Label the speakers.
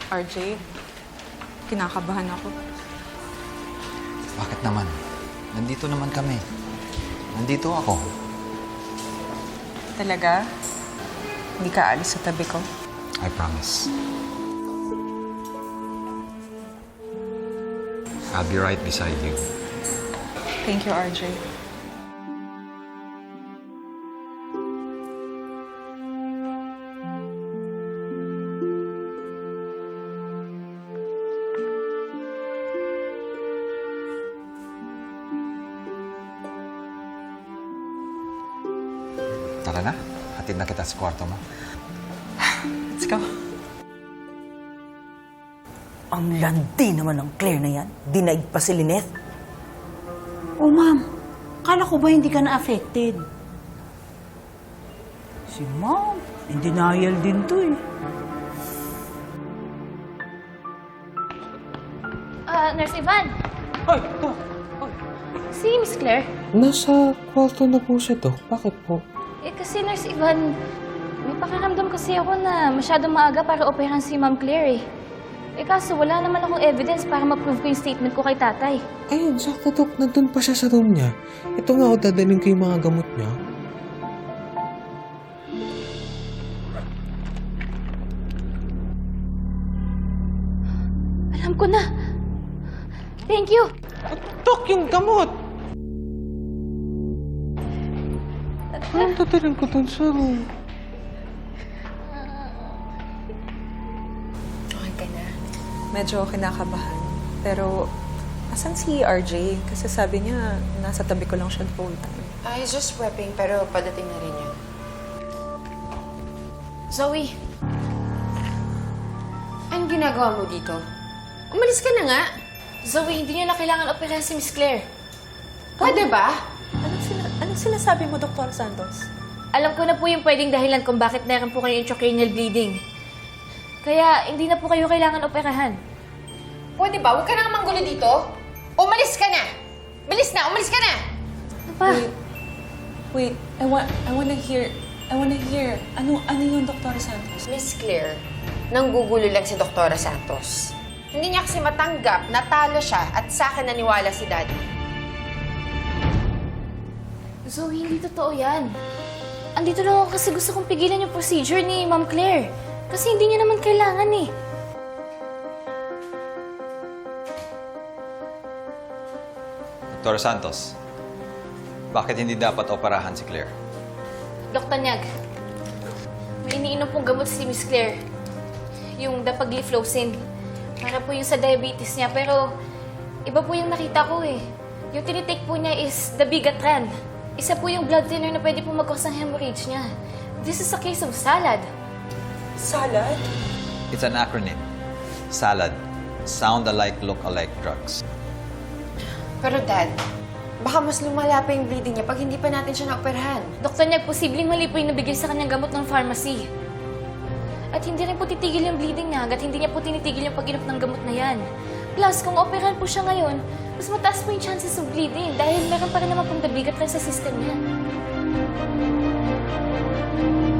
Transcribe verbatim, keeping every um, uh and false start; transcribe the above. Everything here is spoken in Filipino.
Speaker 1: R J, kinakabahan ako.
Speaker 2: Bakit naman? Nandito naman kami. Nandito ako.
Speaker 1: Talaga? Hindi ka alis sa tabi ko?
Speaker 2: I promise. I'll be right beside you.
Speaker 1: Thank you, R J.
Speaker 2: Tara na. Hatid na kita sa kwarto mo.
Speaker 1: Let's go.
Speaker 3: Ang landi naman ng Claire na yan. Dinaig pa si Lynette.
Speaker 4: Oh, ma'am. Kala ko ba hindi ka na-affected?
Speaker 3: Si Mom, in denial din to eh.
Speaker 5: Ah, Nurse Ivan.
Speaker 3: Ay, ito.
Speaker 5: Si Miss Claire.
Speaker 6: Nasa kwarto na po siya, Dok. Bakit po?
Speaker 5: Eh, kasi Nurse Ivan, may pakiramdam kasi ako na masyadong maaga para operahan si Ma'am Claire eh. Eh kaso wala naman akong evidence para ma-prove ko yung statement ko kay tatay.
Speaker 6: Ayun, sakto, Dok. Nandun pa siya sa room niya. Ito nga, o dadalhin ko yung mga gamot niya.
Speaker 5: Alam ko na. Thank you.
Speaker 6: Dok, yung gamot! Anong dadalhin ko dun sa room?
Speaker 1: Okay ka na. Medyo kinakabahan. Pero, asan si R J? Kasi sabi niya, nasa tabi ko lang siya the whole time.
Speaker 7: I was just prepping, pero padating na rin yun. Zoe! Anong ginagawa mo dito? Umalis ka na nga!
Speaker 5: Zoe, hindi niyo na kailangan operahan si Miss Claire.
Speaker 7: Pwede ba?
Speaker 1: Anong, sina anong sinasabi mo, Doctor Santos?
Speaker 5: Alam ko na po yung pwedeng dahilan kung bakit meron po kayo intracranial bleeding. Kaya hindi na po kayo kailangan operahan.
Speaker 7: Pwede ba? Huwag ka nang manggulo dito. Umalis ka na! Bilis na! Umalis ka na!
Speaker 5: Ano pa?
Speaker 1: Wait. Wait. I want, I wanna hear, I wanna hear. Ano, ano yung Doctor Santos?
Speaker 7: Miss Claire, nanggugulo lang si Doktora Santos. Hindi niya kasi matanggap, natalo siya at sa akin naniwala si Daddy.
Speaker 5: Zoe, hindi totoo yan. Andito lang ako kasi gusto kong pigilan yung procedure ni Ma'am Claire. Kasi hindi niya naman kailangan eh.
Speaker 2: Doctor Santos, bakit hindi dapat operahan si Claire?
Speaker 5: Doktor Nyag, may iniinom pong gamot si Miss Claire. Yung dapagliflozin. Para po yung sa diabetes niya. Pero iba po yung nakita ko eh. Yung tinitake po niya is the Bigatran. Isa po yung blood thinner na pwede po mag-cause ng hemorrhage niya. This is a case of salad.
Speaker 1: Salad?
Speaker 2: It's an acronym. SALAD. Sound alike, look alike drugs.
Speaker 7: Pero Dad, baka mas lumala pa yung bleeding niya pag hindi pa natin siya naoperahan.
Speaker 5: Doktor Nyag, posibleng mali po yung nabigay sa kanyang gamot ng pharmacy. At hindi rin po titigil yung bleeding niya hanggat hindi niya po tinitigil yung pag-inom ng gamot na yan. Plus, kung operahan po siya ngayon, mas mataas po yung chances of bleeding dahil meron pa rin naman pong dabigat rin sa system niya.